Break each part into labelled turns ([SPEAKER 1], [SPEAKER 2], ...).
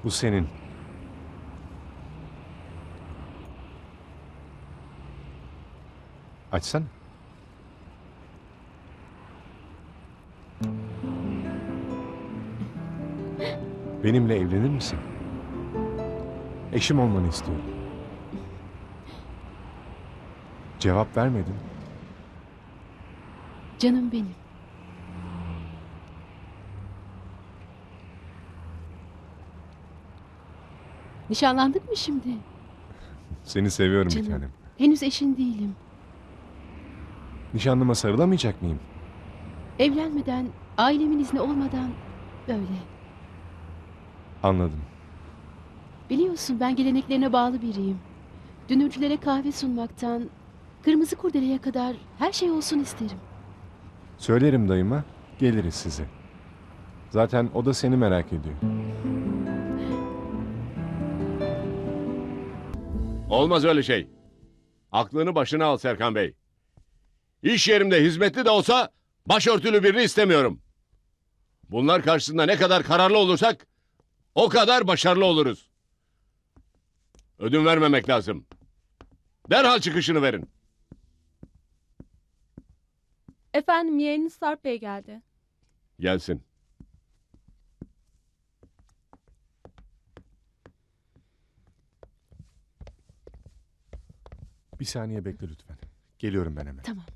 [SPEAKER 1] Bu senin. Açsana. Benimle evlenir misin? Eşim olmanı istiyorum. Cevap vermedin.
[SPEAKER 2] Canım benim. Nişanlandık mı şimdi?
[SPEAKER 1] Seni seviyorum bir
[SPEAKER 2] Canım.
[SPEAKER 1] tanem.
[SPEAKER 2] Henüz eşin değilim.
[SPEAKER 1] Nişanlıma sarılamayacak mıyım?
[SPEAKER 2] Evlenmeden, ailemin izni olmadan böyle.
[SPEAKER 1] Anladım.
[SPEAKER 2] Biliyorsun ben geleneklerine bağlı biriyim. Dünürcülere kahve sunmaktan, kırmızı kurdeleye kadar her şey olsun isterim.
[SPEAKER 1] Söylerim dayıma, geliriz size. Zaten o da seni merak ediyor.
[SPEAKER 3] Olmaz öyle şey. Aklını başına al Serkan Bey. İş yerimde hizmetli de olsa başörtülü birini istemiyorum. Bunlar karşısında ne kadar kararlı olursak o kadar başarılı oluruz. Ödün vermemek lazım. Derhal çıkışını verin.
[SPEAKER 4] Efendim yeğeniniz Sarp Bey geldi.
[SPEAKER 3] Gelsin.
[SPEAKER 1] Bir saniye bekle lütfen. Geliyorum ben hemen.
[SPEAKER 2] Tamam.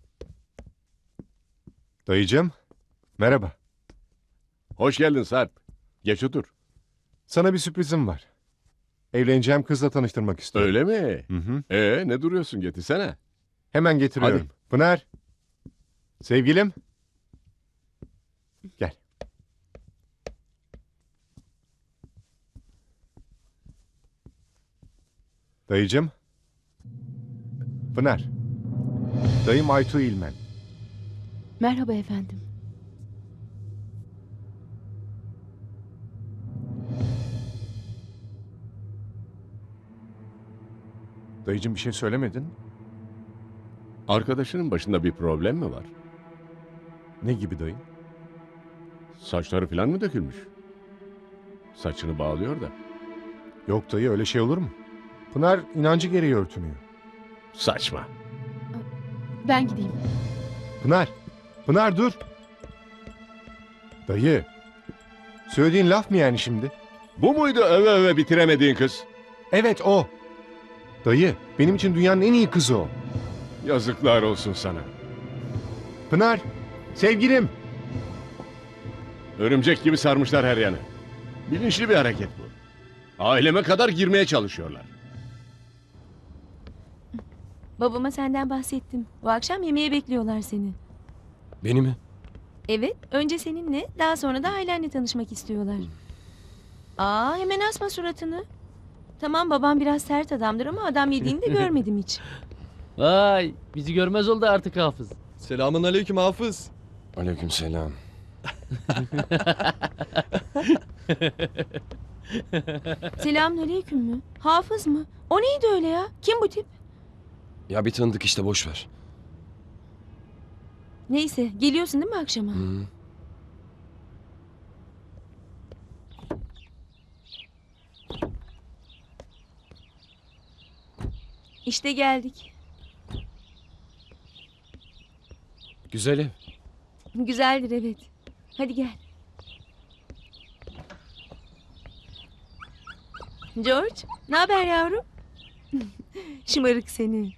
[SPEAKER 1] Dayıcığım, merhaba.
[SPEAKER 3] Hoş geldin Sarp. Geç otur.
[SPEAKER 1] Sana bir sürprizim var. Evleneceğim kızla tanıştırmak istiyorum.
[SPEAKER 3] Öyle mi?
[SPEAKER 1] Hı hı.
[SPEAKER 3] Ne duruyorsun, getirsene.
[SPEAKER 1] Hemen getiriyorum.
[SPEAKER 3] Hadi.
[SPEAKER 1] Pınar. Sevgilim. Gel. Dayıcığım. Pınar. Dayım Aytu İlmen.
[SPEAKER 2] Merhaba efendim.
[SPEAKER 1] Dayıcığım bir şey söylemedin.
[SPEAKER 3] Arkadaşının başında bir problem mi var?
[SPEAKER 1] Ne gibi dayı?
[SPEAKER 3] Saçları falan mı dökülmüş? Saçını bağlıyor da.
[SPEAKER 1] Yok dayı öyle şey olur mu? Pınar inancı gereği örtünüyor.
[SPEAKER 3] Saçma.
[SPEAKER 2] Ben gideyim.
[SPEAKER 1] Pınar. Pınar dur. Dayı. Söylediğin laf mı yani şimdi?
[SPEAKER 3] Bu muydu öve öve bitiremediğin kız?
[SPEAKER 1] Evet o. Dayı benim için dünyanın en iyi kızı o.
[SPEAKER 3] Yazıklar olsun sana.
[SPEAKER 1] Pınar. Sevgilim.
[SPEAKER 3] Örümcek gibi sarmışlar her yanı. Bilinçli bir hareket bu. Aileme kadar girmeye çalışıyorlar.
[SPEAKER 5] Babama senden bahsettim. Bu akşam yemeğe bekliyorlar seni.
[SPEAKER 6] Beni mi?
[SPEAKER 5] Evet, önce seninle, daha sonra da ailenle tanışmak istiyorlar. Aa, hemen asma suratını. Tamam, babam biraz sert adamdır ama adam yediğini de görmedim hiç.
[SPEAKER 6] Vay, bizi görmez oldu artık Hafız.
[SPEAKER 7] Selamun aleyküm Hafız.
[SPEAKER 6] Aleykümselam.
[SPEAKER 5] Selamünaleyküm mü? Hafız mı? O neydi öyle ya? Kim bu tip?
[SPEAKER 6] Ya bir tanıdık işte, boş ver.
[SPEAKER 5] Neyse, geliyorsun değil mi akşama?
[SPEAKER 6] Hı.
[SPEAKER 5] İşte geldik.
[SPEAKER 6] Güzel ev.
[SPEAKER 5] Güzeldir evet. Hadi gel. George, ne haber yavrum? Şımarık seni.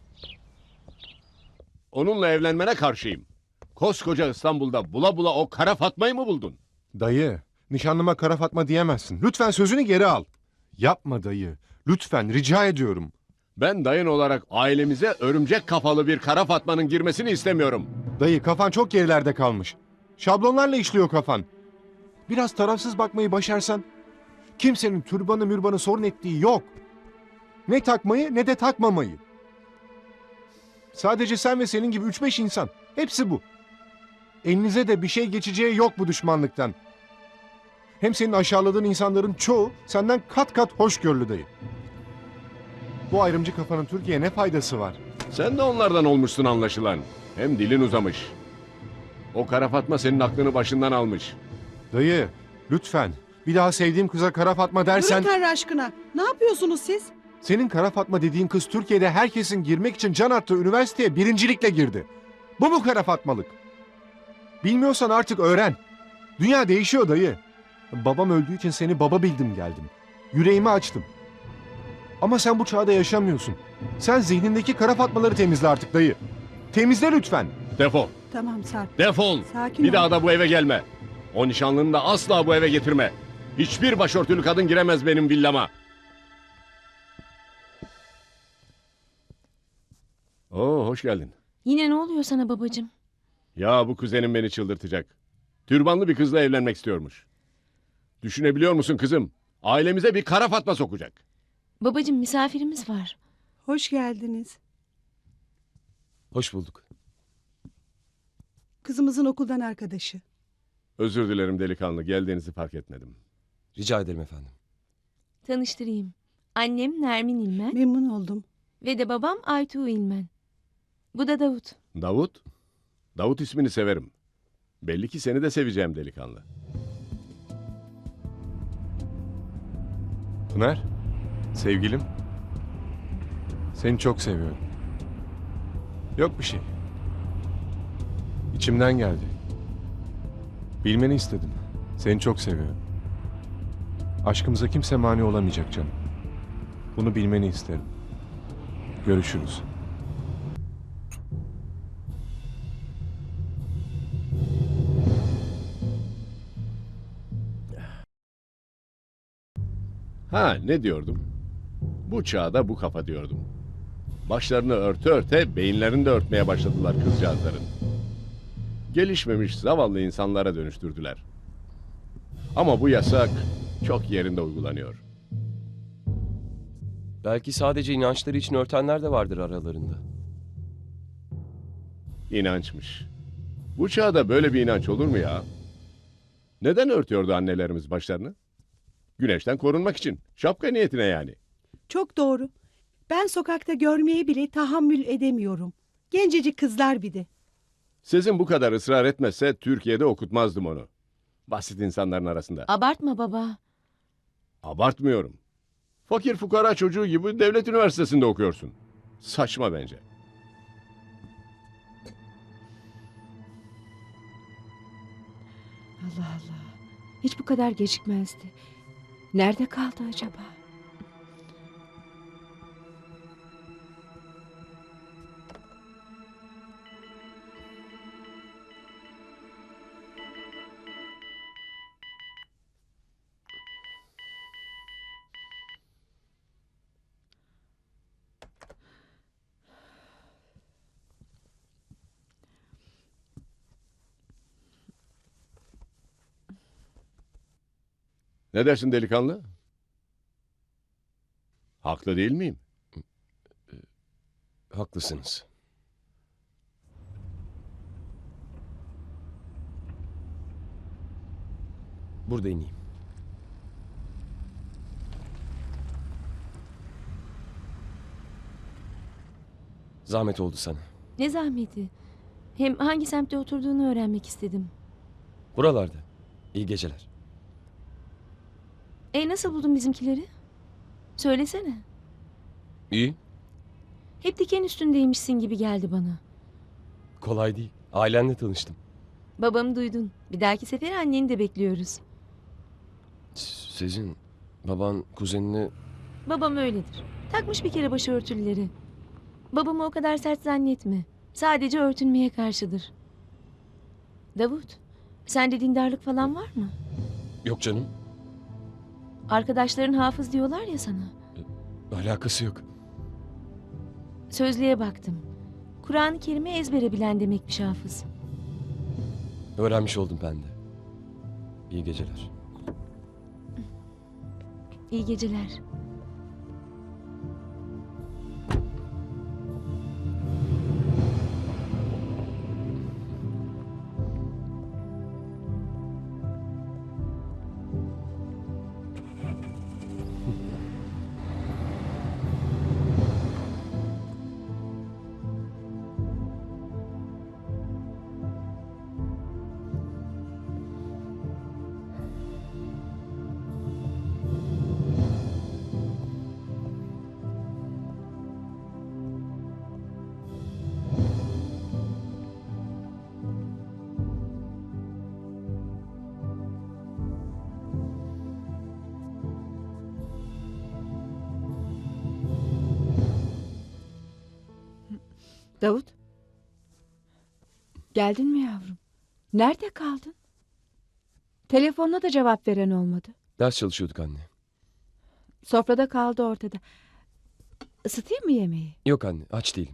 [SPEAKER 3] Onunla evlenmene karşıyım. Koskoca İstanbul'da bula bula o kara Fatma'yı mı buldun?
[SPEAKER 1] Dayı. Nişanlıma kara Fatma diyemezsin. Lütfen sözünü geri al. Yapma dayı. Lütfen rica ediyorum.
[SPEAKER 3] Ben dayın olarak ailemize örümcek kafalı bir kara Fatma'nın girmesini istemiyorum.
[SPEAKER 1] Dayı kafan çok gerilerde kalmış. Şablonlarla işliyor kafan. Biraz tarafsız bakmayı başarsan kimsenin türbanı mürbanı sorun ettiği yok. Ne takmayı ne de takmamayı. Sadece sen ve senin gibi 3-5 insan. Hepsi bu. Elinize de bir şey geçeceği yok bu düşmanlıktan. Hem senin aşağıladığın insanların çoğu senden kat kat hoşgörülü dayı. Bu ayrımcı kafanın Türkiye'ye ne faydası var?
[SPEAKER 3] Sen de onlardan olmuşsun anlaşılan. Hem dilin uzamış. O kara Fatma senin aklını başından almış.
[SPEAKER 1] Dayı lütfen. Bir daha sevdiğim kıza Kara Fatma dersen...
[SPEAKER 8] Durun Tanrı aşkına. Ne yapıyorsunuz siz?
[SPEAKER 1] Senin Kara Fatma dediğin kız Türkiye'de herkesin girmek için can attığı üniversiteye birincilikle girdi. Bu mu Kara Fatmalık? Bilmiyorsan artık öğren. Dünya değişiyor dayı. Babam öldüğü için seni baba bildim geldim. Yüreğimi açtım. Ama sen bu çağda yaşamıyorsun. Sen zihnindeki Kara Fatmaları temizle artık dayı. Temizle lütfen.
[SPEAKER 3] Defol.
[SPEAKER 8] Tamam Sarp.
[SPEAKER 3] Defol.
[SPEAKER 8] Sakin
[SPEAKER 3] Bir
[SPEAKER 8] ol.
[SPEAKER 3] daha da bu eve gelme. O nişanlını da asla bu eve getirme. Hiçbir başörtülü kadın giremez benim villama. Oo, hoş geldin.
[SPEAKER 5] Yine ne oluyor sana babacığım?
[SPEAKER 3] Ya bu kuzenim beni çıldırtacak. Türbanlı bir kızla evlenmek istiyormuş. Düşünebiliyor musun kızım? Ailemize bir Kara Fatma sokacak.
[SPEAKER 5] Babacığım misafirimiz var.
[SPEAKER 8] Hoş geldiniz.
[SPEAKER 6] Hoş bulduk.
[SPEAKER 8] Kızımızın okuldan arkadaşı.
[SPEAKER 3] Özür dilerim delikanlı, geldiğinizi fark etmedim.
[SPEAKER 6] Rica ederim efendim.
[SPEAKER 5] Tanıştırayım. Annem Nermin İlmen
[SPEAKER 8] Memnun oldum.
[SPEAKER 5] ve de babam Aytuğ İlmen. Bu da Davut.
[SPEAKER 3] Davut? Davut ismini severim. Belli ki seni de seveceğim delikanlı.
[SPEAKER 1] Pınar, sevgilim. Seni çok seviyorum. Yok bir şey. İçimden geldi. Bilmeni istedim. Seni çok seviyorum. Aşkımıza kimse mani olamayacak canım. Bunu bilmeni isterim. Görüşürüz.
[SPEAKER 3] Ha, ne diyordum? Bu çağda bu kafa diyordum. Başlarını örte örte beyinlerini de örtmeye başladılar kızcağızların. Gelişmemiş zavallı insanlara dönüştürdüler. Ama bu yasak çok yerinde uygulanıyor.
[SPEAKER 6] Belki sadece inançları için örtenler de vardır aralarında.
[SPEAKER 3] İnançmış. Bu çağda böyle bir inanç olur mu ya? Neden örtüyordu annelerimiz başlarını? Güneşten korunmak için. Şapka niyetine yani.
[SPEAKER 8] Çok doğru. Ben sokakta görmeye bile tahammül edemiyorum. Gencecik kızlar bir de.
[SPEAKER 3] Sizin bu kadar ısrar etmezse Türkiye'de okutmazdım onu. Basit insanların arasında.
[SPEAKER 5] Abartma baba.
[SPEAKER 3] Abartmıyorum. Fakir fukara çocuğu gibi devlet üniversitesinde okuyorsun. Saçma bence.
[SPEAKER 2] Allah Allah. Hiç bu kadar gecikmezdi. Nerede kaldı acaba?
[SPEAKER 3] Ne dersin delikanlı? Haklı değil miyim?
[SPEAKER 6] Haklısınız. Burada ineyim. Zahmet oldu sana.
[SPEAKER 5] Ne zahmeti. Hem hangi semtte oturduğunu öğrenmek istedim.
[SPEAKER 6] Buralarda. İyi geceler.
[SPEAKER 5] Nasıl buldun bizimkileri? Söylesene.
[SPEAKER 6] İyi.
[SPEAKER 5] Hep diken üstündeymişsin gibi geldi bana.
[SPEAKER 6] Kolay değil. Ailenle tanıştım.
[SPEAKER 5] Babamı duydun. Bir dahaki sefer anneni de bekliyoruz.
[SPEAKER 6] Sizin baban kuzenini...
[SPEAKER 5] Babam öyledir. Takmış bir kere başörtüleri. Babamı o kadar sert zannetme. Sadece örtünmeye karşıdır. Davut, sende dindarlık falan var mı?
[SPEAKER 6] Yok canım.
[SPEAKER 5] Arkadaşların hafız diyorlar ya sana.
[SPEAKER 6] Alakası yok.
[SPEAKER 5] Sözlüğe baktım. Kur'an-ı Kerim'i ezbere bilen demekmiş hafız.
[SPEAKER 6] Öğrenmiş oldum ben de. İyi geceler.
[SPEAKER 5] İyi geceler.
[SPEAKER 9] Davut. Geldin mi yavrum? Nerede kaldın? Telefonuna da cevap veren olmadı.
[SPEAKER 6] Ders çalışıyorduk anne.
[SPEAKER 9] Sofrada kaldı ortada. Isıtayım mı yemeği?
[SPEAKER 6] Yok anne, aç değilim.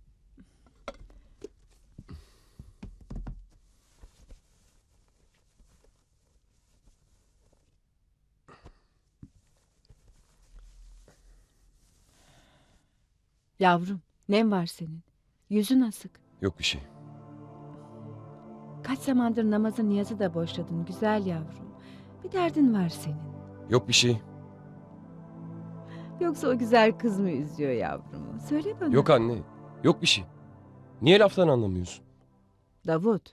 [SPEAKER 9] Yavrum, nem var senin? Yüzün asık.
[SPEAKER 6] Yok bir şey.
[SPEAKER 9] Kaç zamandır namazı niyazı da boşladın güzel yavrum. Bir derdin var senin.
[SPEAKER 6] Yok bir şey.
[SPEAKER 9] Yoksa o güzel kız mı üzüyor yavrum? Söyle bana.
[SPEAKER 6] Yok anne. Yok bir şey. Niye laftan anlamıyorsun?
[SPEAKER 9] Davut.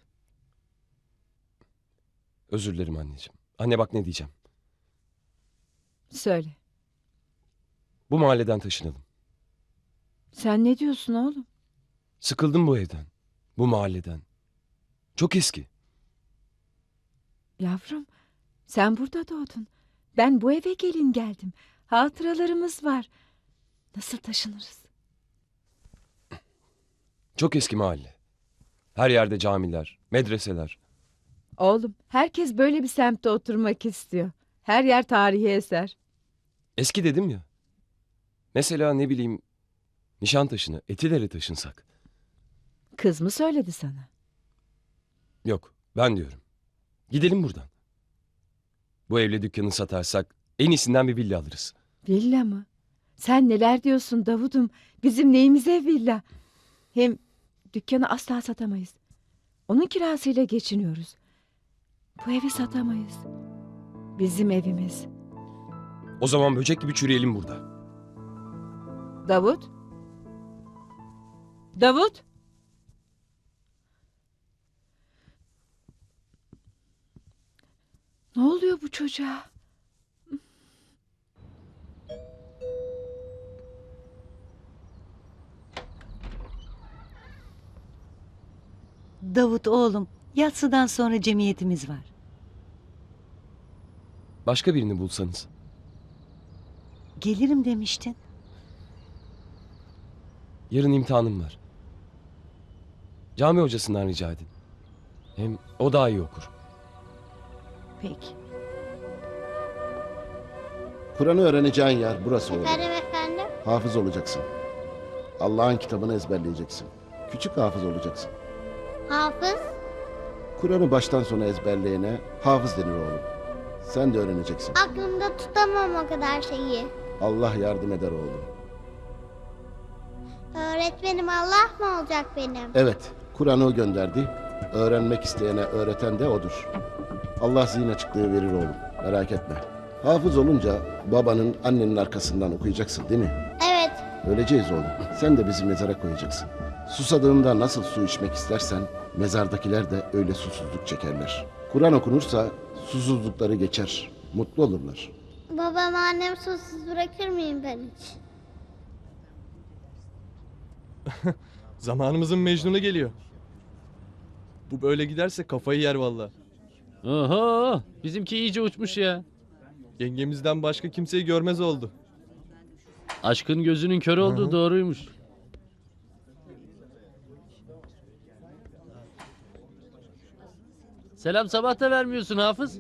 [SPEAKER 6] Özür dilerim anneciğim. Anne bak ne diyeceğim.
[SPEAKER 9] Söyle.
[SPEAKER 6] Bu mahalleden taşınalım.
[SPEAKER 9] Sen ne diyorsun oğlum?
[SPEAKER 6] Sıkıldım bu evden. Bu mahalleden. Çok eski.
[SPEAKER 9] Yavrum, sen burada doğdun. Ben bu eve gelin geldim. Hatıralarımız var. Nasıl taşınırız?
[SPEAKER 6] Çok eski mahalle. Her yerde camiler, medreseler.
[SPEAKER 9] Oğlum, herkes böyle bir semtte oturmak istiyor. Her yer tarihi eser.
[SPEAKER 6] Eski dedim ya. Mesela ne bileyim Nişantaşı'na, Etiler'e taşınsak.
[SPEAKER 9] Kız mı söyledi sana?
[SPEAKER 6] Yok, ben diyorum. Gidelim buradan. Bu evle dükkanı satarsak en iyisinden bir villa alırız.
[SPEAKER 9] Villa mı? Sen neler diyorsun Davud'um? Bizim neyimize villa? Hem dükkanı asla satamayız. Onun kirasıyla geçiniyoruz. Bu evi satamayız. Bizim evimiz.
[SPEAKER 6] O zaman böcek gibi çürüyelim burada.
[SPEAKER 9] Davut? Davut? Ne oluyor bu çocuğa?
[SPEAKER 10] Davut oğlum, yatsıdan sonra cemiyetimiz var.
[SPEAKER 6] Başka birini bulsanız.
[SPEAKER 10] Gelirim demiştin.
[SPEAKER 6] Yarın imtihanım var. Cami hocasından rica edin. Hem o daha iyi okur.
[SPEAKER 10] Peki.
[SPEAKER 11] Kur'an'ı öğreneceğin yer burası oğlum.
[SPEAKER 12] Efendim?
[SPEAKER 11] Hafız olacaksın. Allah'ın kitabını ezberleyeceksin. Küçük hafız olacaksın.
[SPEAKER 12] Hafız?
[SPEAKER 11] Kur'an'ı baştan sona ezberleyene hafız denir oğlum. Sen de öğreneceksin.
[SPEAKER 12] Aklımda tutamam o kadar şeyi.
[SPEAKER 11] Allah yardım eder oğlum.
[SPEAKER 12] Öğretmenim Allah mı olacak benim?
[SPEAKER 11] Evet, Kur'an'ı o gönderdi. Öğrenmek isteyene öğreten de odur. Allah zihin açıklığı verir oğlum. Merak etme. Hafız olunca babanın, annenin arkasından okuyacaksın değil mi?
[SPEAKER 12] Evet.
[SPEAKER 11] Öleceğiz oğlum. Sen de bizi mezara koyacaksın. Susadığında nasıl su içmek istersen mezardakiler de öyle susuzluk çekerler. Kur'an okunursa susuzlukları geçer. Mutlu olurlar.
[SPEAKER 12] Babam annem susuz bırakır mıyım ben hiç?
[SPEAKER 7] Zamanımızın Mecnun'u geliyor. Bu böyle giderse kafayı yer valla.
[SPEAKER 13] Oho, bizimki iyice uçmuş ya.
[SPEAKER 7] Yengemizden başka kimseyi görmez oldu.
[SPEAKER 13] Aşkın gözünün kör olduğu doğruymuş. Selam sabah da vermiyorsun Hafız.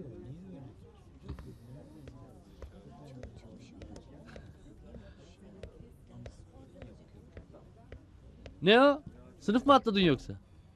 [SPEAKER 13] Ne o? Sınıf mı atladın yoksa?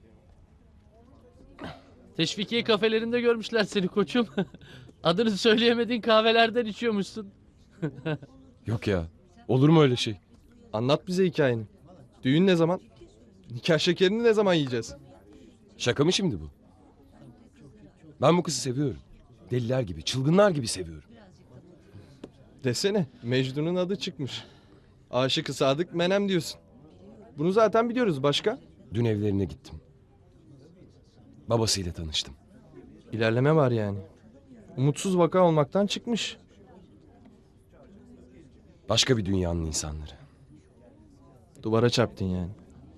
[SPEAKER 13] Teşvikiye kafelerinde görmüşler seni koçum. Adını söyleyemediğin kahvelerden içiyormuşsun.
[SPEAKER 6] Yok ya. Olur mu öyle şey?
[SPEAKER 7] Anlat bize hikayeni. Düğün ne zaman? Nikah şekerini ne zaman yiyeceğiz?
[SPEAKER 6] Şaka mı şimdi bu? Ben bu kızı seviyorum. Deliler gibi, çılgınlar gibi seviyorum.
[SPEAKER 7] Desene, Mecnun'un adı çıkmış. Aşık-ı Sadık Menem diyorsun. Bunu zaten biliyoruz, başka?
[SPEAKER 6] Dün evlerine gittim. Babasıyla tanıştım.
[SPEAKER 7] İlerleme var yani. Umutsuz vaka olmaktan çıkmış.
[SPEAKER 6] Başka bir dünyanın insanları.
[SPEAKER 7] Duvara çarptın yani.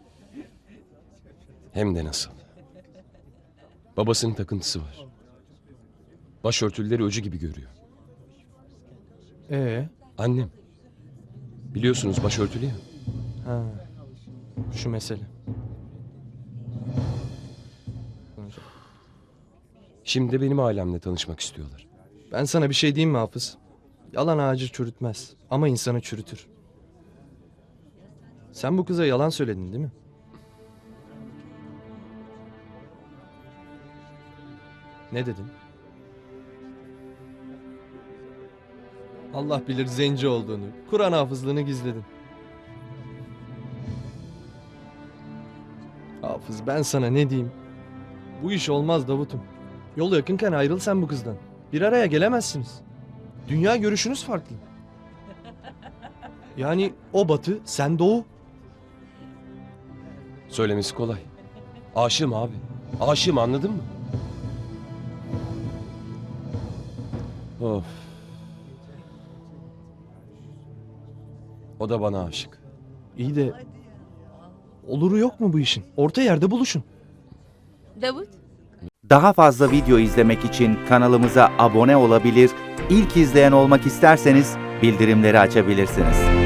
[SPEAKER 6] Hem de nasıl. Babasının takıntısı var. Başörtüleri öcü gibi görüyor.
[SPEAKER 7] Annem.
[SPEAKER 6] Biliyorsunuz başörtülü ya.
[SPEAKER 7] Ha. Şu mesele.
[SPEAKER 6] Şimdi de benim ailemle tanışmak istiyorlar.
[SPEAKER 7] Ben sana bir şey diyeyim mi Hafız? Yalan ağacı çürütmez ama insanı çürütür. Sen bu kıza yalan söyledin değil mi? Ne dedin? Allah bilir zenci olduğunu, Kur'an hafızlığını gizledin. Hafız ben sana ne diyeyim? Bu iş olmaz Davut'um. Yol yakınken ayrıl sen bu kızdan. Bir araya gelemezsiniz. Dünya görüşünüz farklı. Yani o batı, sen doğu.
[SPEAKER 6] Söylemesi kolay. Aşığım abi. Aşığım, anladın mı? Of. O da bana aşık.
[SPEAKER 7] İyi de oluru yok mu bu işin? Orta yerde buluşun.
[SPEAKER 5] Davut,
[SPEAKER 14] Daha fazla video izlemek için kanalımıza abone olabilir, ilk izleyen olmak isterseniz bildirimleri açabilirsiniz.